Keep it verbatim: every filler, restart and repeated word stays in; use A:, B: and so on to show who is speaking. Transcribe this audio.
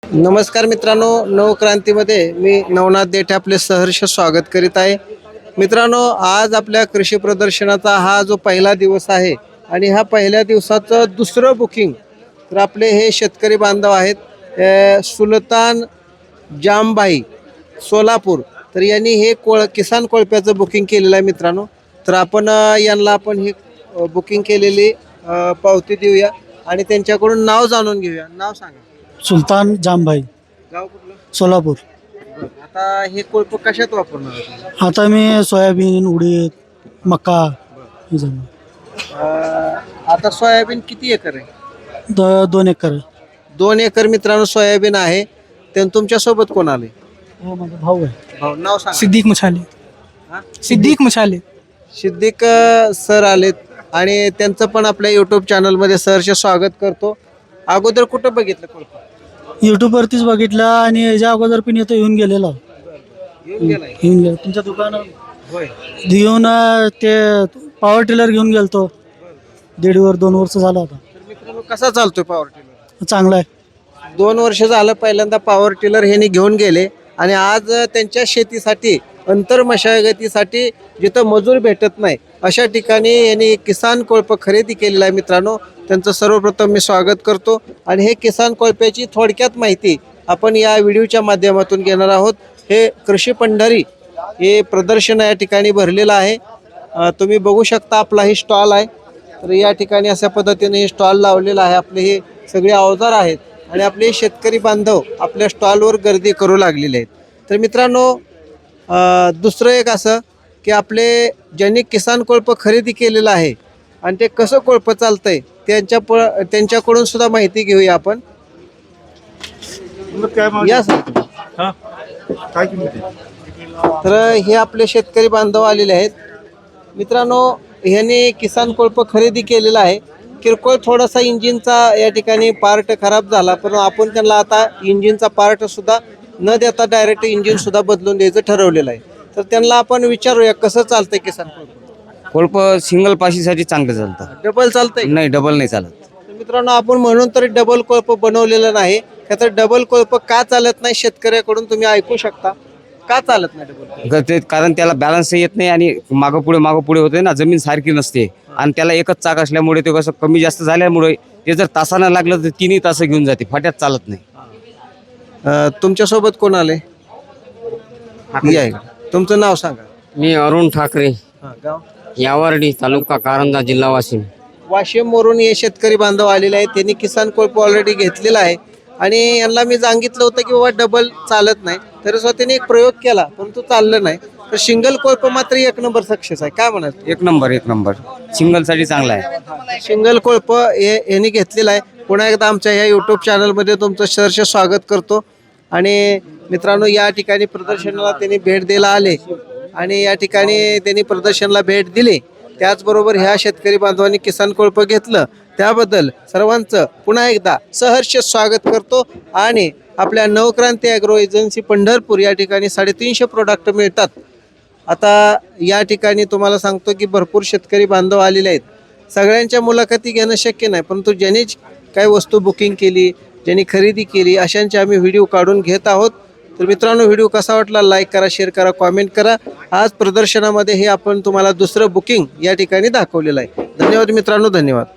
A: नमस्कार मित्रांनो, नवक्रांतीमध्ये मी नवनाथ देठे आपले सहर्ष स्वागत करीत आहे। मित्रांनो, आज आपल्या कृषी प्रदर्शनाचा हा जो पहिला दिवस आहे आणि ह्या पहिल्या दिवसाचं दुसरं बुकिंग तर आपले हे शेतकरी बांधव आहेत अ, सुलतान जामभाई सोलापूर। तर यांनी हे कोळ किसान कोळप्याचं बुकिंग केलेलं आहे मित्रांनो। तर आपण अ, यांना आपण हे अ, बुकिंग केलेली अ, पावती देऊया आणि त्यांच्याकडून नाव जाणून घेऊया। नाव सांगा।
B: सुलतान जामभाई,
A: गाव कुठलं?
B: सोलापूर।
A: आता हे कोळप कशात वापरणार आहे?
B: आता मी सोयाबीन, उडीद, मका हे जमीन.
A: अं, आता सोयाबीन किती एकर आहे?
B: द दोन एकर आहे.
A: दोन एकर मित्रांनो सोयाबीन आहे। त्यानं तुमच्या सोबत कोण आले?
B: हो, माझा भाऊ आहे.
A: भाऊ नाव सांग।
C: सिद्दीक मछाले
A: हा?
C: सिद्दीक मछाले
A: सिद्दीक अ, सर आलेत आणि त्यांचं पण आपल्या यूट्यूब चॅनलमध्ये सहर्ष स्वागत करतो। अगोदर कुठं बघितलं कोळप?
B: यूट्यूबवरतीच बघितलं आणि याच्या अगोदर पण इथं येऊन गेलेलो.
A: येऊन गेलाय?
B: येऊन गेलो तुमच्या दुकानात
A: होय।
B: येऊन अं, ते पॉवर टिलर घेऊन गेलतो. दीड वर दोन वर्ष झालं आता.
A: तर मित्रांनो कसा चालतोय पॉवर टिलर?
B: चांगला आहे.
A: दोन वर्ष झालं पहिल्यांदा पॉवर टिलर ह्यांनी घेऊन गेले आणि आज त्यांच्या शेतीसाठी अंतर मशागतीसाठी जिथं मजूर भेटत नाही अशा ठिकाणी यांनी किसान कोळप खरेदी केलेला आहे मित्रांनो। त्यांचं सर्वप्रथम मी स्वागत करतो आणि हे किसान कोळप्याची थोडक्यात माहिती आपण या व्हिडिओच्या माध्यमातून घेणार आहोत। हे कृषी पंढरी हे प्रदर्शन या ठिकाणी भरलेलं आहे। अ, तुम्ही बघू शकता आपला ही स्टॉल आहे। तर या ठिकाणी अशा पद्धतीने हे स्टॉल लावलेलं आहे। आपले हे सगळे अवजार आहेत आणि आपले शेतकरी बांधव आपल्या स्टॉलवर गर्दी करू लागलेले आहेत। तर मित्रांनो, अ, दुसरं एक असं की आपले ज्यांनी किसान कोळप खरेदी केलेलं आहे आणि ते कसं कोळप चालतंय त्यांच्या प त्यांच्याकडून सुद्धा माहिती घेऊया आपण। या सर। तर हे आपले शेतकरी बांधव आलेले आहेत मित्रांनो। ह्यांनी किसान कोळप खरेदी केलेला आहे। किरकोळ थोडासा इंजिनचा या ठिकाणी पार्ट खराब झाला, पण आपण त्यांना आता इंजिनचा पार्ट सुद्धा न देता डायरेक्ट इंजिन सुद्धा बदलून द्यायचं ठरवलेलं आहे। तर त्यांना आपण विचारूया कसं चालतंय किसान कोळप?
D: कोळप सिंगल पाशीसाठी चांगलं चालतं.
A: डबल चालतंय?
D: नाही, डबल नाही चालत.
A: तर मित्रांनो, आपण म्हणून तरी डबल कोळप बनवलेलं नाही। तर डबल कोळप का चालत नाही शेतकऱ्याकडून तुम्ही ऐकू शकता। का चालत नाही डबल?
D: ग- ते कारण त्याला बॅलन्स येत नाही आणि मागं पुढे मागं पुढे होते ना, जमीन सारखी नसते आणि त्याला एकच चाक असल्यामुळे ते कसं कमी जास्त झाल्यामुळे ते जर तासानं लागलं तर तिन्ही तास घेऊन जाते, फाट्यात चालत नाही.
A: अ, तुमच्यासोबत कोण आले? या इकडे. तुमचं नाव सांगा।
E: मी अरुण ठाकरे,
A: हा, गाव?
E: यावर्डी, तालुका कारंजा, जिल्हा वाशिम.
A: वाशिम वरून हे शेतकरी बांधव आलेले आहेत। त्यांनी किसान कोळप ऑलरेडी घेतलेला आहे आणि यांना मी सांगितलं होतं की बाबा डबल चालत नाही, तरी सुद्धा त्यांनी एक प्रयोग केला परंतु चाललं नाही। तर सिंगल कोळप मात्र एक नंबर सक्सेस आहे। काय म्हणाल?
D: एक नंबर एक नंबर सिंगलसाठी चांगला आहे.
A: सिंगल कोळप हे यांनी घेतलेला आहे। पुन्हा एकदा आमच्या ह्या यूट्यूब चॅनलमध्ये तुमचं सहर्ष स्वागत करतो। आणि मित्रांनो, या ठिकाणी प्रदर्शनाला त्यांनी भेट द्यायला आले आणि या ठिकाणी त्यांनी प्रदर्शनाला भेट दिली। त्याचबरोबर ह्या शेतकरी बांधवांनी किसान कोळप घेतलं त्याबद्दल सर्वांचं पुन्हा एकदा सहर्ष स्वागत करतो। आणि आपल्या नवक्रांती ॲग्रो एजन्सी पंढरपूर या ठिकाणी साडेतीनशे प्रोडक्ट मिळतात। आता या ठिकाणी तुम्हाला सांगतो की भरपूर शेतकरी बांधव आलेले आहेत। सगळ्यांच्या मुलाखती घेणं शक्य नाही, परंतु ज्यांनी काही वस्तू बुकिंग केली, ज्यांनी खरेदी केली अशांचे आम्ही व्हिडिओ काढून घेत आहोत। तर मित्रांनो, व्हिडिओ कसा वाटला लाईक करा, शेअर करा, कॉमेंट करा। आज प्रदर्शनामध्ये हे आपण तुम्हाला दुसरं बुकिंग या ठिकाणी दाखवलेलं आहे। धन्यवाद मित्रांनो, धन्यवाद।